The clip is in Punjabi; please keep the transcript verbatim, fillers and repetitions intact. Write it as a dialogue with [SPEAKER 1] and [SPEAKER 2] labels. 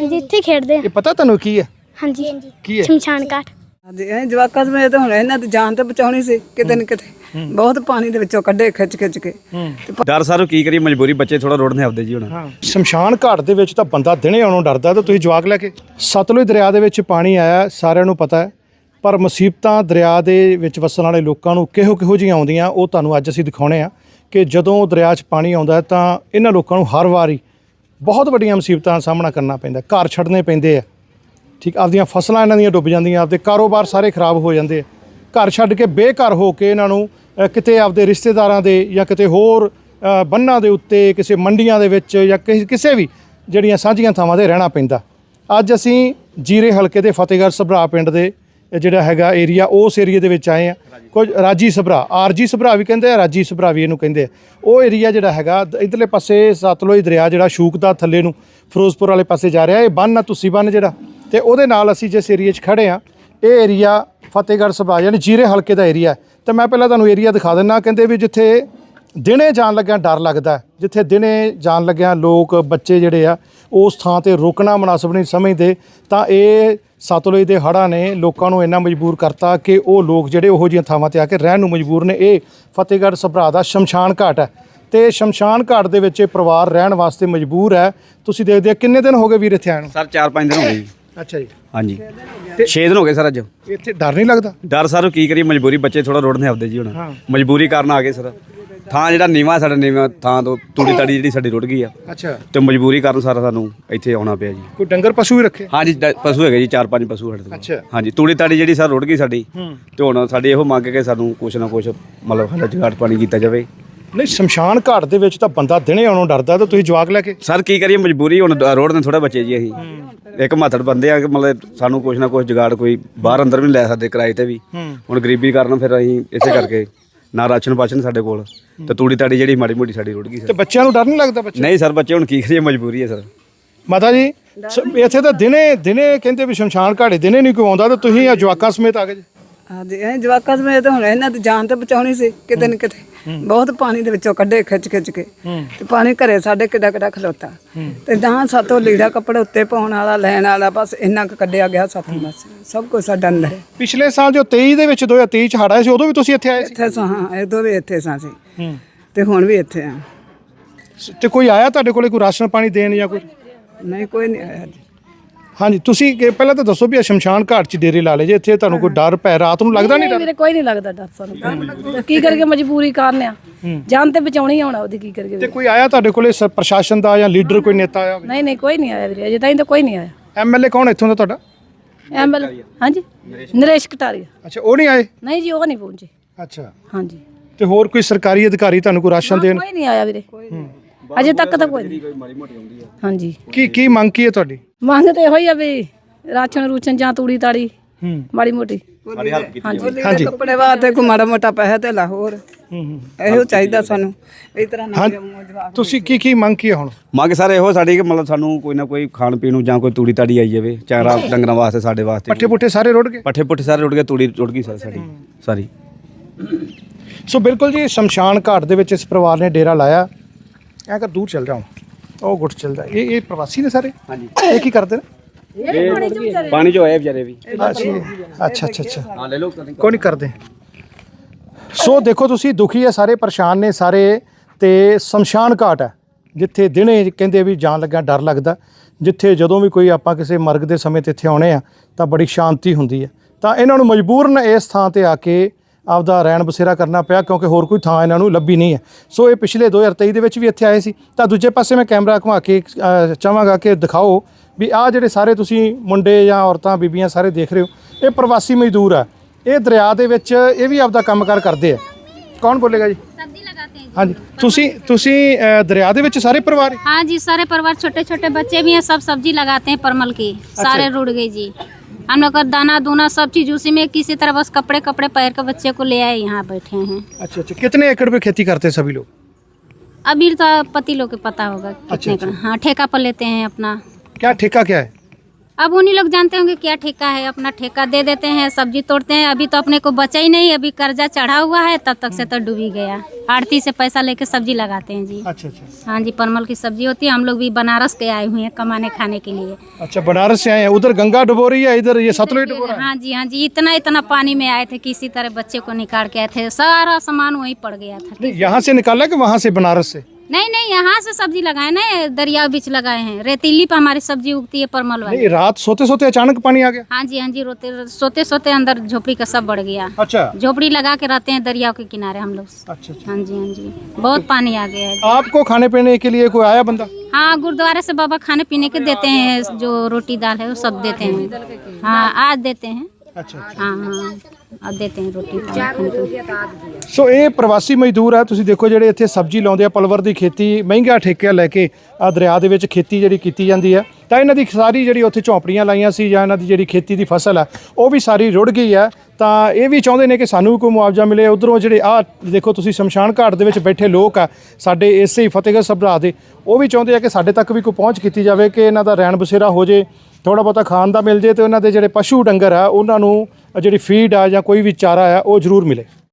[SPEAKER 1] ਹਾਂਜੀ ਇੱਥੇ ਖੇਡਦੇ ਆ।
[SPEAKER 2] ਇਹ ਪਤਾ ਤੁਹਾਨੂੰ ਕੀ ਹੈ?
[SPEAKER 1] ਹਾਂਜੀ
[SPEAKER 2] ਕੀ ਹੈ?
[SPEAKER 1] ਸ਼ਮਸ਼ਾਨ ਘਾਟ।
[SPEAKER 3] ਹਾਂਜੀ ਇਹ ਜਵਾਕਾਂ ਸਮੇਂ ਤਾਂ ਹੁਣ ਇਹਨਾਂ ਦੀ ਜਾਨ ਤੇ ਬਚਾਉਣੀ ਸੀ ਕਿਤੇ ਨਾ ਕਿਤੇ। ਬਹੁਤ ਪਾਣੀ ਦੇ ਵਿੱਚੋਂ ਕੱਢੇ ਖਿੱਚ ਖਿੱਚ ਕੇ।
[SPEAKER 4] ਡਰ ਸਰ ਕੀ ਕਰੀਏ, ਮਜਬੂਰੀ, ਬੱਚੇ ਥੋੜਾ ਰੋੜਨੇ ਆਪਦੇ ਜੀ ਹੁਣ।
[SPEAKER 2] ਸ਼ਮਸ਼ਾਨ ਘਾਟ ਦੇ ਵਿੱਚ ਤਾਂ ਬੰਦਾ ਦਿਨੇ ਆਉਣੋਂ ਡਰਦਾ, ਤਾਂ ਤੁਸੀਂ ਜਵਾਕ ਲੈ ਕੇ। ਸਤਲੁਜ ਦਰਿਆ ਦੇ ਵਿੱਚ ਪਾਣੀ ਆਇਆ, ਸਾਰਿਆਂ ਨੂੰ ਪਤਾ ਹੈ, ਪਰ ਮੁਸੀਬਤਾਂ ਦਰਿਆ ਦੇ ਵਿੱਚ ਵਸਣ ਵਾਲੇ ਲੋਕਾਂ ਨੂੰ ਕਿਹੋ ਕਿਹੋ ਜਿਹੀਆਂ ਆਉਂਦੀਆਂ ਉਹ ਤੁਹਾਨੂੰ ਅੱਜ ਅਸੀਂ ਦਿਖਾਉਣੇ ਆ ਕਿ ਜਦੋਂ ਦਰਿਆ 'ਚ ਪਾਣੀ ਆਉਂਦਾ ਤਾਂ ਇਹਨਾਂ ਲੋਕਾਂ ਨੂੰ ਹਰ ਵਾਰੀ ਬਹੁਤ ਵੱਡੀਆਂ ਮੁਸੀਬਤਾਂ ਦਾ ਸਾਹਮਣਾ ਕਰਨਾ ਪੈਂਦਾ। ਘਰ ਛੱਡਣੇ ਪੈਂਦੇ ਆ, ਠੀਕ, ਆਪਦੀਆਂ ਫਸਲਾਂ ਇਹਨਾਂ ਦੀਆਂ ਡੁੱਬ ਜਾਂਦੀਆਂ, ਆਪਦੇ ਕਾਰੋਬਾਰ ਸਾਰੇ ਖਰਾਬ ਹੋ ਜਾਂਦੇ ਆ। ਘਰ ਛੱਡ ਕੇ ਬੇਘਰ ਹੋ ਕੇ ਇਹਨਾਂ ਨੂੰ ਅ, ਕਿਤੇ ਆਪਦੇ ਰਿਸ਼ਤੇਦਾਰਾਂ ਦੇ ਜਾਂ ਕਿਤੇ ਹੋਰ ਅ, ਬੰਨਾਂ ਦੇ ਉੱਤੇ, ਕਿਸੇ ਮੰਡੀਆਂ ਦੇ ਵਿੱਚ ਜਾਂ ਕਿਸੇ ਕਿਸੇ ਵੀ ਜਿਹੜੀਆਂ ਸਾਂਝੀਆਂ ਥਾਵਾਂ 'ਤੇ ਰਹਿਣਾ ਪੈਂਦਾ। ਅੱਜ ਅਸੀਂ ਜੀਰੇ ਹਲਕੇ ਦੇ ਫਤਿਹਗੜ੍ਹ ਸਭਰਾ ਪਿੰਡ ਦੇ ਜਿਹੜਾ ਹੈਗਾ ਏਰੀਆ, ਉਸ ਏਰੀਏ ਦੇ ਵਿੱਚ ਆਏ ਆ। ਕੁਝ ਰਾਜੀ ਸਭਰਾ, ਆਰਜੀ ਸਭਰਾ ਵੀ ਕਹਿੰਦੇ ਆ, ਰਾਜੀ ਸਭਰਾ ਵੀ ਇਹਨੂੰ ਕਹਿੰਦੇ ਆ। ਉਹ ਏਰੀਆ ਜਿਹੜਾ ਹੈਗਾ ਇੱਧਰਲੇ ਪਾਸੇ ਸਤਲੁਜ ਦਰਿਆ ਜਿਹੜਾ ਸ਼ੂਕਦਾ ਥੱਲੇ ਨੂੰ ਫਿਰੋਜ਼ਪੁਰ ਵਾਲੇ ਪਾਸੇ ਜਾ ਰਿਹਾ। ਇਹ ਬੰਨ੍ਹ ਆ ਤੁਸੀਂ ਬੰਨ੍ਹ ਜਿਹੜਾ, ਅਤੇ ਉਹਦੇ ਨਾਲ ਅਸੀਂ ਜਿਸ ਏਰੀਏ 'ਚ ਖੜ੍ਹੇ ਹਾਂ ਇਹ ਏਰੀਆ ਫਤਿਹਗੜ੍ਹ ਸਭਰਾ ਯਾਨੀ ਜੀਰੇ ਹਲਕੇ ਦਾ ਏਰੀਆ। ਤਾਂ ਮੈਂ ਪਹਿਲਾਂ ਤੁਹਾਨੂੰ ਏਰੀਆ ਦਿਖਾ ਦਿੰਦਾ। ਕਹਿੰਦੇ ਵੀ ਜਿੱਥੇ ਦਿਨੇ ਜਾਣ ਲੱਗਿਆ ਡਰ ਲੱਗਦਾ, ਜਿੱਥੇ ਦਿਨੇ ਜਾਣ ਲੱਗਿਆ ਲੋਕ ਬੱਚੇ ਜਿਹੜੇ ਆ ਉਸ ਥਾਂ 'ਤੇ ਰੁਕਣਾ ਮੁਨਾਸਬ ਨਹੀਂ ਸਮਝਦੇ, ਤਾਂ ਇਹ ਸਤਲੁਜ ਦੇ ਹੜ੍ਹਾਂ ਨੇ ਲੋਕਾਂ ਨੂੰ ਇੰਨਾ ਮਜਬੂਰ ਕਰਤਾ ਕਿ ਉਹ ਲੋਕ ਜਿਹੜੇ ਉਹੋ ਜਿਹੀਆਂ ਥਾਵਾਂ 'ਤੇ ਆ ਕੇ ਰਹਿਣ ਨੂੰ ਮਜਬੂਰ ਨੇ। ਇਹ ਫਤਿਹਗੜ੍ਹ ਸਭਰਾ ਦਾ ਸ਼ਮਸ਼ਾਨ ਘਾਟ ਹੈ, ਅਤੇ ਸ਼ਮਸ਼ਾਨ ਘਾਟ ਦੇ ਵਿੱਚ ਇਹ ਪਰਿਵਾਰ ਰਹਿਣ ਵਾਸਤੇ ਮਜਬੂਰ ਹੈ। ਤੁਸੀਂ ਦੇਖਦੇ ਆ ਕਿੰਨੇ ਦਿਨ ਹੋ ਗਏ ਵੀਰ ਇੱਥੇ ਆਏ ਨੂੰ?
[SPEAKER 4] ਸਰ ਚਾਰ ਪੰਜ ਦਿਨ ਹੋ ਗਏ ਜੀ।
[SPEAKER 2] ਅੱਛਾ ਜੀ।
[SPEAKER 4] ਹਾਂਜੀ ਛੇ ਦਿਨ ਹੋ ਗਏ ਸਰ ਅੱਜ।
[SPEAKER 2] ਇੱਥੇ ਡਰ ਨਹੀਂ ਲੱਗਦਾ?
[SPEAKER 4] ਡਰ ਸਰ ਕੀ ਕਰੀਏ, ਮਜਬੂਰੀ, ਬੱਚੇ ਥੋੜਾ ਰੋੜਨੇ ਆਪਦੇ ਜੀ ਹੁਣ। ਮਜਬੂਰੀ ਕਾਰਨ ਆ ਗਏ ਸਰ। ਥਾਂ ਜਿਹੜਾ ਨੀਵਾਂ ਸਾਡਾ ਨੀਵਾਂ ਥਾਂ ਤੋਂ ਤੂੜੀ ਤਾੜੀ ਜਿਹੜੀ ਸਾਡੀ ਰੁੜ ਗਈ ਆ,
[SPEAKER 2] ਅੱਛਾ,
[SPEAKER 4] ਤੇ ਮਜਬੂਰੀ ਕਾਰਨ ਸਾਰਾ ਸਾਨੂੰ ਇੱਥੇ ਆਉਣਾ ਪਿਆ ਜੀ।
[SPEAKER 2] ਕੋਈ ਡੰਗਰ ਪਸ਼ੂ ਵੀ ਰੱਖੇ?
[SPEAKER 4] ਹਾਂਜੀ ਡ- ਪਸ਼ੂ ਹੈਗੇ ਜੀ, ਚਾਰ ਪੰਜ ਪਸ਼ੂ ਸਾਡੇ ਕੋਲ।
[SPEAKER 2] ਅੱਛਾ।
[SPEAKER 4] ਹਾਂਜੀ ਤੂੜੀ ਤਾੜੀ ਜਿਹੜੀ ਸਰ ਰੁੜ ਗਈ ਸਾਡੀ, ਤੇ ਹੁਣ ਸਾਡੀ ਇਹੋ ਮੰਗ ਕੇ ਸਾਨੂੰ ਕੁਛ ਨਾ ਕੁਛ ਮਤਲਬ ਸਾਡਾ ਜੁਗਾੜ ਪਾਣੀ ਕੀਤਾ ਜਾਵੇ।
[SPEAKER 2] ਨਹੀਂ, ਸ਼ਮਸ਼ਾਨ ਘਾਟ ਦੇ ਵਿੱਚ ਤਾਂ ਬੰਦਾ ਦਿਨੇ ਆਉਣੋਂ ਡਰਦਾ, ਤਾਂ ਤੁਸੀਂ ਜਵਾਕ ਲੈ ਕੇ।
[SPEAKER 4] ਸਰ ਕੀ ਕਰੀਏ, ਮਜਬੂਰੀ, ਹੁਣ ਰੋਡ ਨੇ ਥੋੜਾ ਬੱਚੇ ਜੀ ਅਸੀਂ ਇੱਕ ਮਾਤੜ ਬੰਦੇ ਆ ਕਿ ਮਤਲਬ ਸਾਨੂੰ ਕੁਛ ਨਾ ਕੁਛ ਜੁਗਾੜ, ਕੋਈ ਬਾਹਰ ਅੰਦਰ ਵੀ ਨਹੀਂ ਲੈ ਸਕਦੇ ਕਿਰਾਏ ਤੇ ਵੀ। ਹੁਣ ਗਰੀਬੀ ਕਾਰਨ ਫਿਰ ਅਸੀਂ ਇਸੇ ਕਰਕੇ ਨਾ ਰਾਸ਼ਨ ਪਾਸ਼ਨ ਸਾਡੇ ਕੋਲ, ਤੇ ਤੂੜੀ ਤਾੜੀ ਜਿਹੜੀ ਮਾੜੀ ਮੋਟੀ ਸਾਡੀ ਰੁੜ ਗਈ
[SPEAKER 2] ਤੇ
[SPEAKER 4] ਸਰ।
[SPEAKER 2] ਬੱਚਿਆਂ ਨੂੰ ਡਰ ਨਹੀਂ ਲੱਗਦਾ? ਬੱਚੇ
[SPEAKER 4] ਨਹੀਂ ਸਰ, ਬੱਚੇ ਹੁਣ ਕੀ ਕਰੀਏ, ਮਜਬੂਰੀ ਹੈ ਸਰ।
[SPEAKER 2] ਮਾਤਾ ਜੀ ਸ- ਇੱਥੇ ਤਾਂ ਦਿਨੇ ਦਿਨੇ ਕਹਿੰਦੇ ਵੀ ਸ਼ਮਸ਼ਾਨ ਘਾਟੇ ਦਿਨੇ ਨਹੀਂ ਕੋਈ ਆਉਂਦਾ, ਤਾਂ ਤੁਸੀਂ ਆ ਜਵਾਕਾਂ ਸਮੇਤ ਆ ਗਏ ਜੀ।
[SPEAKER 3] ਹਾਂਜੀ ਇਹ ਜਵਾਕਾਂ ਸਮੇਂ ਤਾਂ ਹੁਣ ਇਹਨਾਂ ਦੀ ਜਾਨ ਤੇ ਬਚਾਉਣੀ ਸੀ ਕਿਤੇ ਨਾ ਕਿਤੇ। ਬਹੁਤ ਪਾਣੀ ਦੇ ਵਿੱਚੋਂ ਕੱਢੇ ਖਿੱਚ ਖਿੱਚ ਕੇ, ਤੇ ਪਾਣੀ ਘਰੇ ਸਾਡੇ ਕਿੱਡਾ ਕਿੱਡਾ ਖਲੋਤਾ, ਤੇ ਨਾ ਸਾਤੋਂ ਲੀੜਾ ਕੱਪੜੇ ਉੱਤੇ ਪਾਉਣ ਵਾਲਾ ਲੈਣ ਵਾਲਾ, ਬਸ ਇੰਨਾ ਕੁ ਕੱਢਿਆ ਗਿਆ ਸਾਥੋਂ। ਬਸ ਸਭ ਕੁਝ ਸਾਡਾ ਅੰਦਰ ਹੈ।
[SPEAKER 2] ਪਿਛਲੇ ਸਾਲ ਜੋ ਤੇਈ ਦੇ ਵਿੱਚ ਦੋ ਹਜ਼ਾਰ ਤੇਈ ਚ ਹੜ੍ਹ ਆਏ ਸੀ, ਉਦੋਂ ਵੀ ਤੁਸੀਂ ਇੱਥੇ ਆਏ ਸੀ?
[SPEAKER 3] ਇੱਥੇ ਸਾਂ, ਹਾਂ ਇਹ ਵੀ ਇੱਥੇ ਸਾਂ ਸੀ, ਤੇ ਹੁਣ ਵੀ ਇੱਥੇ ਆ।
[SPEAKER 2] ਤੇ ਕੋਈ ਆਇਆ ਤੁਹਾਡੇ ਕੋਲੇ, ਕੋਈ ਰਾਸ਼ਨ ਪਾਣੀ ਦੇਣ ਜਾਂ ਕੋਈ?
[SPEAKER 3] ਨਹੀਂ ਕੋਈ ਨਹੀਂ ਆਇਆ ਜੀ।
[SPEAKER 2] ਹਾਂਜੀ, ਤੁਸੀਂ ਕਿ- ਪਹਿਲਾਂ ਤਾਂ ਦੱਸੋ ਵੀ ਇਹ ਸ਼ਮਸ਼ਾਨ ਘਾਟ 'ਚ ਡੇਰੇ ਲਾ ਲਏ ਜੇ, ਇੱਥੇ ਤੁਹਾਨੂੰ ਕੋਈ ਡਰ ਪੈ ਰਾਤ ਨੂੰ ਲੱਗਦਾ ਨਹੀਂ? ਡਰ
[SPEAKER 5] ਵੀਰੇ ਕੋਈ ਨਹੀਂ ਲੱਗਦਾ ਡਰ ਸਾਨੂੰ। ਕੀ ਕਰਕੇ, ਮਜਬੂਰੀ ਕਾਰਨ ਆ, ਜਾਨ ਤੇ ਬਚਾਉਣੀ ਆਉਣਾ ਉਹਦੀ, ਕੀ ਕਰਕੇ।
[SPEAKER 2] ਤੇ ਕੋਈ ਆਇਆ ਤੁਹਾਡੇ ਕੋਲੇ ਸ- ਪ੍ਰਸ਼ਾਸਨ ਦਾ ਜਾਂ ਲੀਡਰ ਕੋਈ ਨੇਤਾ ਆਇਆ ਹੋਵੇ?
[SPEAKER 5] ਨਹੀਂ ਨਹੀਂ ਕੋਈ ਨਹੀਂ ਆਇਆ ਵੀਰੇ, ਅਜੇ ਤਾਈਂ ਤਾਂ ਕੋਈ ਨਹੀਂ ਆਇਆ।
[SPEAKER 2] ਐਮਐਲਏ ਕੌਣ ਇੱਥੋਂ ਦਾ ਤੁਹਾਡਾ?
[SPEAKER 5] ਐਮਐਲ ਹਾਂਜੀ ਨਰੇਸ਼ ਕਟਾਰੀਆ।
[SPEAKER 2] ਅੱਛਾ, ਉਹ ਨਹੀਂ ਆਏ?
[SPEAKER 5] ਨਹੀਂ ਜੀ ਉਹ ਨਹੀਂ ਪਹੁੰਚੇ।
[SPEAKER 2] ਅੱਛਾ,
[SPEAKER 5] ਹਾਂਜੀ
[SPEAKER 2] ਤੇ ਹੋਰ ਕੋਈ ਸਰਕਾਰੀ ਅਧਿਕਾਰੀ ਤੁਹਾਨੂੰ ਕੋਈ ਰਾਸ਼ਨ ਦੇਣ?
[SPEAKER 5] ਕੋਈ ਨਹੀਂ ਆਇਆ ਵੀਰੇ, ਅਜੇ ਤੱਕ ਤਾਂ ਕੋਈ ਨਹੀਂ। ਹਾਂਜੀ
[SPEAKER 2] ਕੀ ਕੀ ਮੰਗ ਕੀ ਹੈ ਤੁਹਾਡੀ?
[SPEAKER 5] ਮੰਗ ਤੇ ਇਹੋ ਹੀ ਆ ਵੀ ਰਾਸ਼ਨ ਰੂਸ਼ਨ ਜਾਂ ਤੂੜੀ ਤਾੜੀ ਮਾੜੀ ਮੋਟੀ।
[SPEAKER 2] ਹਾਂਜੀ
[SPEAKER 3] ਕੱਪੜੇ ਵਾਸਤੇ ਕੋਈ ਮਾੜਾ ਮੋਟਾ ਪੈਸਾ ਤੇ ਲਾਹੌਰ ਇਹੋ ਚਾਹੀਦਾ ਸਾਨੂੰ। ਇਸ ਤਰ੍ਹਾਂ ਨਾ ਜਵਾਕ।
[SPEAKER 2] ਤੁਸੀਂ ਕੀ ਕੀ ਮੰਗ ਕੀ ਹੈ ਹੁਣ?
[SPEAKER 4] ਮੰਗ ਸਰ ਇਹੋ ਸਾਡੀ ਕਿ ਮਤਲਬ ਸਾਨੂੰ ਕੋਈ ਨਾ ਕੋਈ ਖਾਣ ਪੀਣ ਨੂੰ ਜਾਂ ਕੋਈ ਤੂੜੀ ਤਾੜੀ ਆਈ ਜਾਵੇ, ਚਾਰਾ ਡੰਗਰਾਂ ਵਾਸਤੇ, ਸਾਡੇ ਵਾਸਤੇ।
[SPEAKER 2] ਪੱਠੇ ਪੁੱਠੇ ਸਾਰੇ ਰੁੜ ਗਏ?
[SPEAKER 4] ਪੱਠੇ ਪੁੱਠੇ ਸਾਰੇ ਰੁੜ ਗਏ, ਤੂੜੀ ਰੁੜ ਗਈ ਸਰ ਸਾਡੀ ਸਾਰੀ।
[SPEAKER 2] ਸੋ ਬਿਲਕੁਲ ਜੀ, ਸ਼ਮਸ਼ਾਨ ਘਾਟ ਦੇ ਵਿੱਚ ਇਸ ਪਰਿਵਾਰ ਨੇ ਡੇਰਾ ਲਾਇਆ। ਐਂ ਕਰ ਦੂਰ ਚੱਲ ਜਾਓ, ਉਹ ਗੁੱਟ ਚੱਲਦਾ। ਇਹ ਇਹ ਪ੍ਰਵਾਸੀ ਨੇ ਸਾਰੇ?
[SPEAKER 4] ਹਾਂਜੀ।
[SPEAKER 2] ਇਹ ਕੀ ਕਰਦੇ ਨੇ?
[SPEAKER 4] ਪਾਣੀ ਜੋ ਆਏ ਵਿਚਾਰੇ ਵੀ।
[SPEAKER 2] ਅੱਛਾ ਅੱਛਾ ਅੱਛਾ,
[SPEAKER 4] ਹਾਂ ਲੈ ਲਓ।
[SPEAKER 2] ਕੋਈ ਨਹੀਂ ਕਰਦੇ। ਸੋ ਦੇਖੋ ਤੁਸੀਂ, ਦੁਖੀ ਹੈ ਸਾਰੇ, ਪਰੇਸ਼ਾਨ ਨੇ ਸਾਰੇ। ਤੇ ਸ਼ਮਸ਼ਾਨ ਘਾਟ ਹੈ ਜਿੱਥੇ ਦਿਨੇ ਕਹਿੰਦੇ ਵੀ ਜਾਣ ਲੱਗਿਆ ਡਰ ਲੱਗਦਾ, ਜਿੱਥੇ ਜਦੋਂ ਵੀ ਕੋਈ ਆਪਾਂ ਕਿਸੇ ਮਰਗ ਦੇ ਸਮੇਂ 'ਤੇ ਇੱਥੇ ਆਉਣੇ ਆ ਤਾਂ ਬੜੀ ਸ਼ਾਂਤੀ ਹੁੰਦੀ ਹੈ। ਤਾਂ ਇਹਨਾਂ ਨੂੰ ਮਜਬੂਰਨ ਇਸ ਥਾਂ 'ਤੇ ਆ ਕੇ ਆਪਦਾ ਰਹਿਣ ਬਸੇਰਾ ਕਰਨਾ ਪਿਆ, ਕਿਉਂਕਿ ਹੋਰ ਕੋਈ ਥਾਂ ਇਹਨਾਂ ਨੂੰ ਲੱਭੀ ਨਹੀਂ ਹੈ। ਸੋ ਇਹ ਪਿਛਲੇ ਦੋ ਹਜ਼ਾਰ ਤੇਈ ਦੇ ਵਿੱਚ ਵੀ ਇੱਥੇ ਆਏ ਸੀ। ਤਾਂ ਦੂਜੇ ਪਾਸੇ ਮੈਂ ਕੈਮਰਾ ਘੁਮਾ ਕੇ ਅ, ਚਾਹਾਂਗਾ ਕਿ ਦਿਖਾਓ ਵੀ ਆਹ ਜਿਹੜੇ ਸਾਰੇ ਤੁਸੀਂ ਮੁੰਡੇ ਜਾਂ ਔਰਤਾਂ ਬੀਬੀਆਂ ਸਾਰੇ ਦੇਖ ਰਹੇ ਹੋ, ਇਹ ਪ੍ਰਵਾਸੀ ਮਜ਼ਦੂਰ ਆ। ਇਹ ਦਰਿਆ ਦੇ ਵਿੱਚ ਇਹ ਵੀ ਆਪਦਾ ਕੰਮਕਾਰ ਕਰਦੇ ਆ। ਕੌਣ ਬੋਲੇਗਾ ਜੀ?
[SPEAKER 6] सब्जी लगाते हैं।
[SPEAKER 2] ਹਾਂਜੀ, ਤੁਸੀਂ ਤੁਸੀਂ ਅ, ਦਰਿਆ ਦੇ ਵਿੱਚ ਸਾਰੇ ਪਰਿਵਾਰ?
[SPEAKER 6] हाँ जी, सारे परिवार, छोटे छोटे बच्चे भी हैं, सब सब्जी लगाते हैं परमल की। सारे रुड़ गई जी। हम लोग का दाना दूना सब चीज उसी में, किसी तरह बस कपड़े कपड़े पैर के बच्चे को ले आए, यहाँ बैठे हैं।
[SPEAKER 2] अच्छा अच्छा, कितने एकड़ पे खेती करते हैं सभी लोग?
[SPEAKER 6] अभी तो पति लोग को पता होगा कितने का। हाँ ठेका पर लेते हैं अपना।
[SPEAKER 2] क्या ठेका क्या है?
[SPEAKER 6] अब उन्हीं लोग जानते होंगे क्या ठेका है, अपना ठेका दे देते हैं, सब्जी तोड़ते हैं। अभी तो अपने को बचा ही नहीं, अभी कर्जा चढ़ा हुआ है, तब तक से तो डूबी गया। आड़ती से पैसा लेके सब्जी लगाते हैं जी।
[SPEAKER 2] अच्छा अच्छा
[SPEAKER 6] हाँ जी, परमल की सब्जी होती है। हम लोग भी बनारस के आए हुए हैं कमाने खाने के लिए।
[SPEAKER 2] अच्छा, बनारस से आए हैं। उधर गंगा डुबो रही है, इधर ये सतलुज डुबो रहा है।
[SPEAKER 6] हाँ जी हाँ जी, इतना इतना पानी में आए थे, किसी तरह बच्चे को निकाल के आए थे, सारा सामान वहीं पड़ गया था।
[SPEAKER 2] नहीं, यहाँ से निकाला कि वहाँ से बनारस से?
[SPEAKER 6] नहीं नहीं, यहाँ से सब्जी लगाए ना, दरिया बीच लगाए हैं। रेतीली पे हमारी सब्जी उगती है परमल वाली।
[SPEAKER 2] नहीं, रात सोते सोते अचानक पानी आ गया?
[SPEAKER 6] हाँ जी हाँ जी, रोते सोते सोते अंदर झोपड़ी का सब बढ़ गया।
[SPEAKER 2] अच्छा
[SPEAKER 6] झोपड़ी लगा के रहते हैं दरिया के किनारे हम लोग।
[SPEAKER 2] अच्छा अच्छा।
[SPEAKER 6] हाँ जी हाँ जी, बहुत पानी आ गया है।
[SPEAKER 2] आपको खाने पीने के लिए कोई आया बंदा?
[SPEAKER 6] हाँ, गुरुद्वारे से बाबा खाने पीने के देते हैं, जो रोटी दाल है वो सब देते हैं। हाँ, आज देते हैं।
[SPEAKER 2] अच्छा
[SPEAKER 6] हाँ हाँ, ਅੱਜ देते हैं रोटी खाने को।
[SPEAKER 2] ਸੋ ਇਹ ਪ੍ਰਵਾਸੀ ਮਜ਼ਦੂਰ ਆ, ਤੁਸੀਂ ਦੇਖੋ ਜਿਹੜੇ ਇੱਥੇ ਸਬਜ਼ੀ ਲਾਉਂਦੇ ਆ, ਪਲਵਰ ਦੀ ਖੇਤੀ ਮਹਿੰਗਾ ਠੇਕਾ ਲੈ ਕੇ ਆ ਦਰਿਆ ਦੇ ਵਿੱਚ ਖੇਤੀ ਜਿਹੜੀ ਕੀਤੀ ਜਾਂਦੀ ਹੈ, ਤਾਂ ਇਹਨਾਂ ਦੀ ਸਾਰੀ ਜਿਹੜੀ ਉੱਥੇ ਝੌਂਪੜੀਆਂ ਲਾਈਆਂ ਸੀ ਜਾਂ ਇਹਨਾਂ ਦੀ ਜਿਹੜੀ ਖੇਤੀ ਦੀ ਫਸਲ ਆ ਉਹ ਵੀ ਸਾਰੀ ਰੁੜ ਗਈ ਆ। ਤਾਂ ਇਹ ਵੀ ਚਾਹੁੰਦੇ ਨੇ ਕਿ ਸਾਨੂੰ ਵੀ ਕੋਈ ਮੁਆਵਜ਼ਾ ਮਿਲੇ। ਉਧਰੋਂ ਜਿਹੜੇ ਆ ਦੇਖੋ ਤੁਸੀਂ ਸ਼ਮਸ਼ਾਨ ਘਾਟ ਦੇ ਵਿੱਚ ਬੈਠੇ ਲੋਕ ਆ ਸਾਡੇ ਇਸੇ ਹੀ ਫਤਿਹਗੜ੍ਹ ਸਭਰਾ ਦੇ, ਉਹ ਵੀ ਚਾਹੁੰਦੇ ਆ ਕਿ ਸਾਡੇ ਤੱਕ ਵੀ ਕੋਈ ਪਹੁੰਚ ਕੀਤੀ ਜਾਵੇ, ਕਿ ਇਹਨਾਂ ਦਾ ਰਹਿਣ ਬਸੇਰਾ ਹੋ ਜੇ, ਥੋੜ੍ਹਾ ਬਹੁਤਾ ਖਾਣ ਦਾ ਮਿਲ ਜੇ, ਤੇ ਉਹਨਾਂ ਦੇ ਜਿਹੜੇ ਪਸ਼ੂ ਡੰਗਰ ਆ ਉਹਨਾਂ ਨੂੰ ਜਿਹੜੀ ਫੀਡ ਆ ਜਾਂ ਕੋਈ ਵੀ ਚਾਰਾ ਆ ਉਹ ਜ਼ਰੂਰ ਮਿਲੇ।